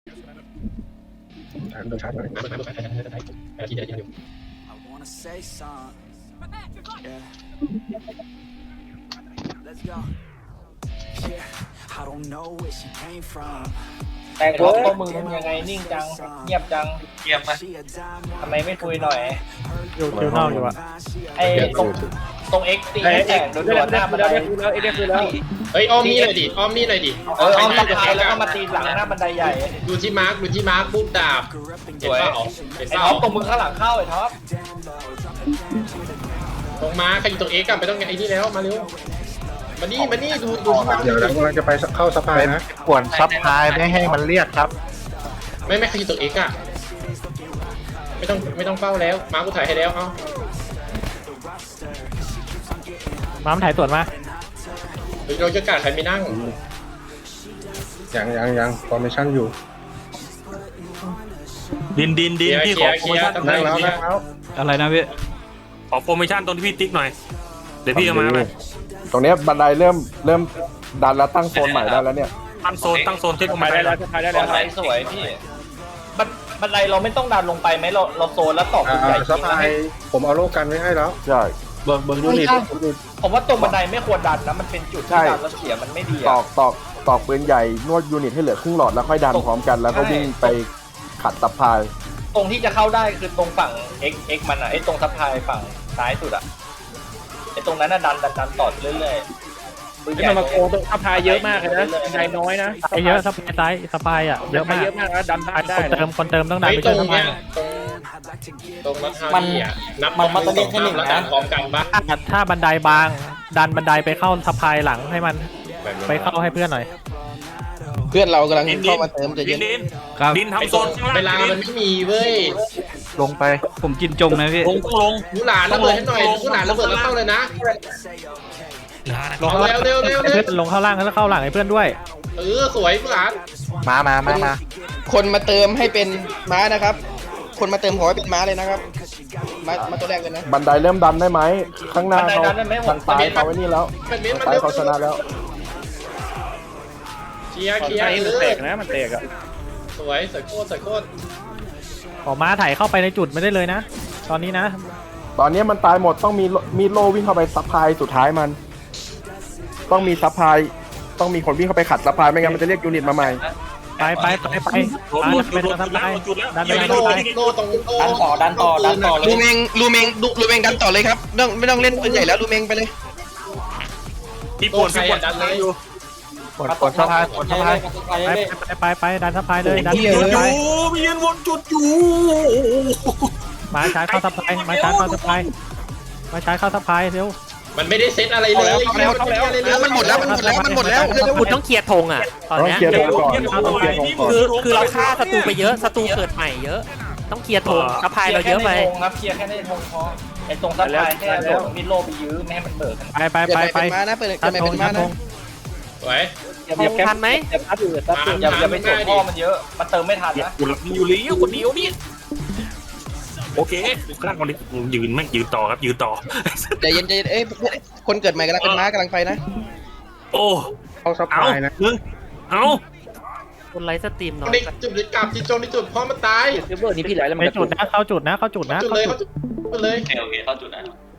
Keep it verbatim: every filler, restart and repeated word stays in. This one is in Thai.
ถามตัวชาร์จหน่อยแต่งรถพวกมึงเป็นยังไงนิ่งจังเงียบจังเงียบไหมทำไมไม่คุยหน่อยอยู่คิวนอกอยู่อะไอ้ตรงตรงเอ็กซ์ตีให้แต่งโดนหน้าบันไดแล้วเอ็กซ์คือแล้วเฮ้ยอ้อมนี่หน่อยดิอ้อมนี่หน่อยดิเอออ้อมสะพายแล้วก็มาตีหลังหน้าบันไดใหญ่ดูที่มาร์คดูที่มาร์คปุ๊บดาบเห็นเปล่าเห็นไอ้เปล่าท็อปตรงมึงข้างหลังเข้าไอ้ท็อปตรงมาใครอยู่ตรงเอ็กซ์กันไปต้องไอ้นี่แล้วมาเร็วมานี่มานี่ดูดูที่มาร์คเดี๋ยวเรากำลังจะไปเข้าสะพายนะขวนซับพายไม่ให้มันเรียกครับไม่ไม่ใครอยู่ตรงเอ็กซ์อะไม่ต้องไม่ต้องเฝ้าแล้วมาร์คกูถ่ายให้แล้วเอ้าม้ามถ่ายสวนมาเดี๋ยวเราจะกาดใครไม่นั่งยังยังยังฟอร์เมชั่นอยู่ดินดินดินพี่เคขลีอยร์โปรเคโมลียร์ชั่นตำแหน่งเคลียร์นั่งแล้วนั่งแล้วอะไรนะพี่ขอโปรโมชั่นตรงที่พี่ติ๊กหน่อยเดี๋ยวพี่เอามาไหมตรงเนี้ยบันไดเริ่มเริ่มดันแล้วตั้งโซนใหม่ได้แล้วเนี่ยตั้งโซนตั้งโซนขึ้นไปมาได้ได้แล้แล้ว วจะไปได้บัแล้วนไดสวยพี่บันบันไดเราไม่ต้องดันลงไปไหมเราเราโซนแล้วตอกอ่าใหญ่สะพายผมเอาโลกันไว้ให้แล้วใช่เบิร์เบิร์ยูนิตผมว่าตรงบันไดไม่ควรดันนะมันเป็นจุดที่ดันแล้วเสียมันไม่ดีตอะอกตอกตอกปืนใหญ่นวดยูนิตให้เหลือครึ่งหลอดแล้วค่อยดันพร้อมกันแล้วก็วิ่งไปขัดตับพายตรงที่จะเข้าได้คือตรงฝั่ง X X มันอะไอ้ตรงซัพพลายฝั่งซ้ายสุดอะไอ้ตรงนั้นน่ะดันดันดันต่อเรื่อยๆที่มันมาโกงตรงสะพายเยอะมากเลยนะใจน้อยนะไอเยอะสะพายซ้ายสะพายอ่ะเยอะมากเยอะมากแล้วดันได้คนเติมคนเติมต้องดันเฮ้ยไปตรช่วยงสะพาเนี้ยยตรงตรงรัฐาวีอ่ะนับนับสองสามแล้วดันพร้อมกันปะถ้าบันไดบางดันบันไดไปเข้าสะพายหลังให้มันไปเข้าให้เพื่อนหน่อยเพื่อนเรากำลังดินดิเข้าน มาเติมใจะดิเย็นนดินครับดินทำโซนข้างเวลาล่างมันไม่มีเว้ยลงไปผมกินจงนะพี่ลงต้องลงผู้หลานระเบิดให้หน่อยผู้หลานระเบิดแล้วเข้าเลยนะลงข้างล่างเร็วเร็วเร็วเร็วเพื่อนลงเข้าล่างแล้วเข้าหลังให้เพื่อนด้วยเออสวยผู้หลานมามามามาคนมาเติมให้เป็นม้านะครับ คนมาเติมขอให้เป็นม้าเลยนะครับม้ามาตัวแรกเลยนะบันไดเริ่มดันได้ไหมข้างหน้าบันไดเขาดันได้ไหมทางซ้ายเขาไว้นี่แล้วเป็นเมตทางรมาซ้ายเร็วเขาชนะแล้วเคลียร์เคลียใจร์มันเอแตอกนะมันแตกอ่ะสวยสวยโคตรสวยโคตรออกมาถ่ายเข้าไปในจุดไม่ได้เลยนะ ตอนนี้นะตอนนี้มันตายหมดต้องมีมีโลวิ่งเข้าไปซับพายสุดท้ายมัน ต้องมีซับพายต้องมีคนวิ่งเข้าไปขัดซับพายไม่งั้นมันจะเรียกยูนิตมาใหม่ไปไปไปไปหลุดหลุดหลุดหลุดดันไปแล้วจุดแล้วดันไปไม่ดัโลนไปโลตรงโลดันต่อดันต่อดันต่อเลลูยเมงลูเมงดูลูเมงดันต่อเลยครับไม่ต้องไม่ต้องเล่นปืนใหญ่แล้วลูเมงไปเลยพี่ปโลวดใครพี่ปวอ่ะดดันเลยกดกดสะพายกดสะพายไปไปไปไปดันสะพายเลยดันจุดสะอพายยู่ไปยืนวนจุดอยู่มาใช้เข้าสะพายมาใช้เข้าสะพายมาใช้เข้าสะพายเร็วมันไม่ได้เซตอะไรเลยเข้าแล้วเข้าแล้วแล้วมันหมดแล้วมันหมดแล้วมันหมดแล้วเร็วคุณต้องเคลียร์ธงอ่ะตอนต้องเนี้ยเคลียร์ธงก่อนคือคือเราฆ่าศัตรูไปเยอะศัตรูเกิดใหม่เยอะ ต้องเคลียร์ธงสะพายเราเยอะไปคลีร์แค่ในธงครับเคลียร์แค่ในธงพอไอ้ตรงซัพพลายแค่โดดมิดโลไปยื้อไม่ให้มันเบิกไปไปๆเปิดไปใหม่ไปเป็นม้านะเปิดทัเปิดดใหม่ธเป็งนทัม้าดธนะงสวยอย่าอย่าแคปทันไหมอย่าทัดอยู่อย่าอย่าไปส่งพ่อมันเยอะมันเติมไม่ทันนะกูหลับอยู่เลี้ยวคนเดียวนี่โอเคข้างคนนี้ยืนแม่งยืนต่อครับยืนต่อใจเย็นใจเย็นเอ้ยคนเกิดใหม่กำลังเป็นม้ากำลังไปนะโอ้เข้าสะเอาพายนะมึงเอาคนไลฟ์สตรีมน้อยนี่จุดกลับที่จงที่จุดพร้อมมันตายในจุดนะเข้าจุดนะเข้าจุดนะจุดเลยเขาจุดเลยโอเคเข้าจุดนะ